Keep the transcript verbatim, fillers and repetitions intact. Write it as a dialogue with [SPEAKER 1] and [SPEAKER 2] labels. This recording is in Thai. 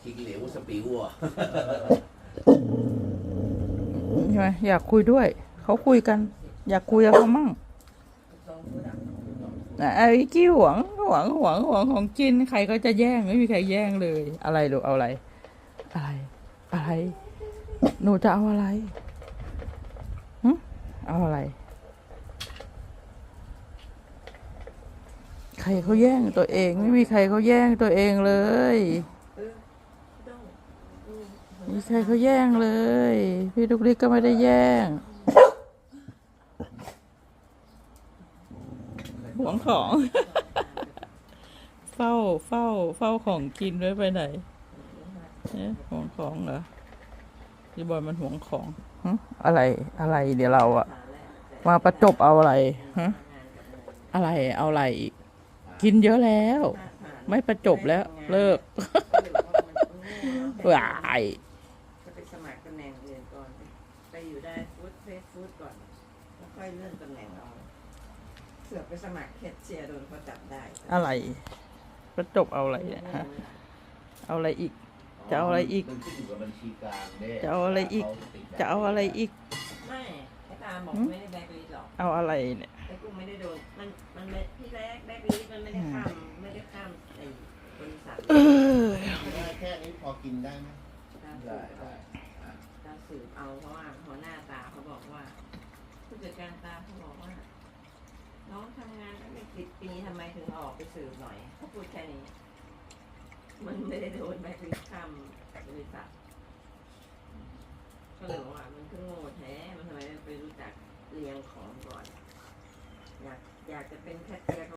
[SPEAKER 1] ทิ้งเหลวสปิวอ่ะ
[SPEAKER 2] ใช่ไหมอยากคุยด้วยเขาคุยกัน อยากคุยกับเขามั่งไอ้กี้หวงหวงหวงหวงของจินใครก็จะแย่งไม่มีใครแย่งเลย อะไรลูกเอาอะไร อะไร อะไร หนูจะเอาอะไรหึเอาอะไร ใครเขาแย่งตัวเองไม่มีใครเขาแย่งตัวเองเลยมีใครเขาแย่งเลยพี่ลูกลิกก็ไม่ได้แย่งหวงของ เฝ้าเฝ้าเฝ้าของกินไว้ไปไหนเนี่ยหวงของเหรอพี่บอยมันหวงของฮะอะไรอะไรเดี๋ยวเราอะมาประจบเอาอะไรฮะอะไรเอาอะไรอีกกินเยอะแล้ว ไม่ประจบแล้วเลิก ว้าย
[SPEAKER 3] จะไปสมัครตำแหน่งอื่นก่อนไปอยู่ได้ฟู้ดเฟสฟู้ดก่อนแล้วค่อยเลื่อนตำแหน่งเอาเสือกไปสมัครแคชเชียร์โดนเขาจับได้
[SPEAKER 2] อะไร ประจบเอาอะไรเนี่ยฮะเอาอะไรอีก จะเอาอะไรอีก
[SPEAKER 1] มันขึ้นอยู่กับบัญชีกลางด้
[SPEAKER 2] จะเอาอะไรอีก จะเอาอะไรอีก
[SPEAKER 3] ไม่ไอ้ตาบอกไม่ได้แบล็คลิสต์หรอก
[SPEAKER 2] เอาอะไรเนี่ย
[SPEAKER 3] ไอ้กุ้งไม่ได้โดนมันมันไม่ที่แรกแบล็คลิสต์มันไม่ได้ข้ามไม่ได้ข้ามไอ้บริษัท
[SPEAKER 2] เออ
[SPEAKER 4] แค่นี้พอกินได้ไหม
[SPEAKER 3] ตาสื
[SPEAKER 1] ได้
[SPEAKER 3] บเอา
[SPEAKER 1] ได้
[SPEAKER 3] ตาสืบเอาเพราะว่าหัวหน้าตาเขาบอกว่าผู้จัดการตาเขาบอกว่า น้องทำงานตั้งแต่สิบปีทำไมถึงออกไปสืบหน่อยเขาพูดแค่นี้ มันไม่ได้โดนแบล็คลิสต์ข้ามบริษัทก็เลยบอกว่ามันคือโง่แท้ มันทำไมไม่ไปรู้จักเรียงของก่อน อยากอยากจะเป็นแคชเชียร์